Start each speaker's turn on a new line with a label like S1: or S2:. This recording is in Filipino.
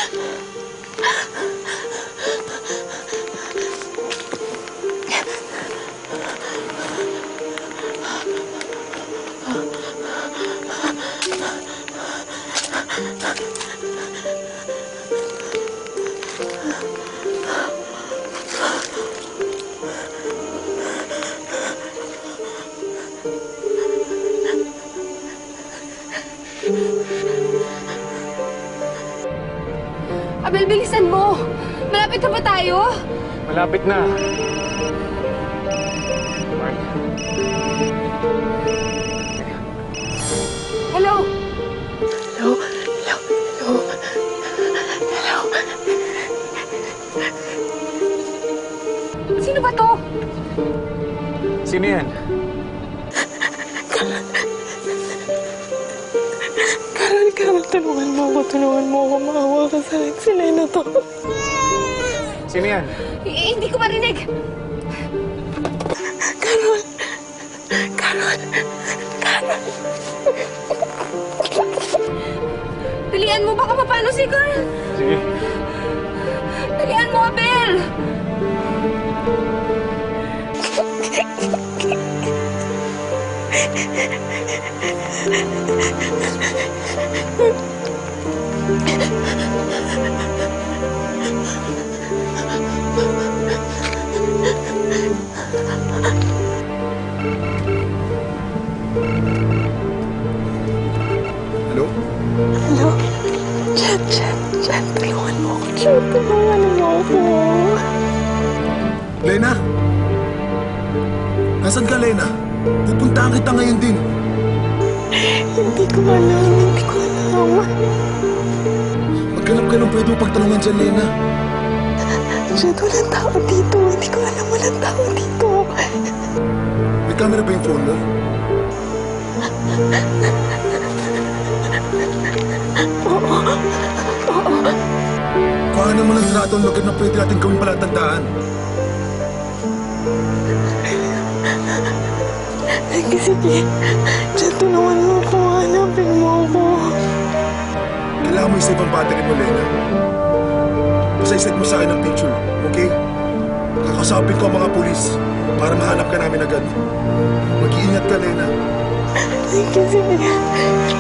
S1: Abel, bilisan mo! Malapit na ba tayo?
S2: Malapit na. Mark.
S1: Hello?
S3: Hello? Hello? Hello? Hello?
S1: Sino ba to?
S2: Sino yan?
S3: Carol, tulungan mo ako. Maawa ka sa akin. Sila na to.
S2: Sino yan?
S1: Hindi ko marinig.
S3: Carol!
S1: Dalian mo, baka mapano si Carl.
S2: Sige.
S1: Dalian mo, Abel!
S2: Hello?
S3: Hello? Jen, tulungan mo ako. Jen, tulungan mo ako.
S4: Lena? Nasaan ka, Lena? Pupuntahan kita ngayon din.
S3: Hindi ko alam.
S4: Maghanap ka ng pwede mo pagtanungan dyan, Lena.
S3: Jen, walang tao dito. Hindi ko alam, walang tao dito.
S4: May camera ba yung phone mo?
S3: Oo.
S4: Kuhanan mo ng trato ang lugar na pwede natin gawin palatandaan.
S3: Sige. Jen, tulungan mo ako. Hanapin mo ako.
S4: Kailangan mo isave ang battery mo, Lena. Isa-isend mo sa akin ang picture, okay? Kakasapin ko ang mga pulis para mahanap ka namin agad. Mag-iingat ka, Lena.
S3: Sige.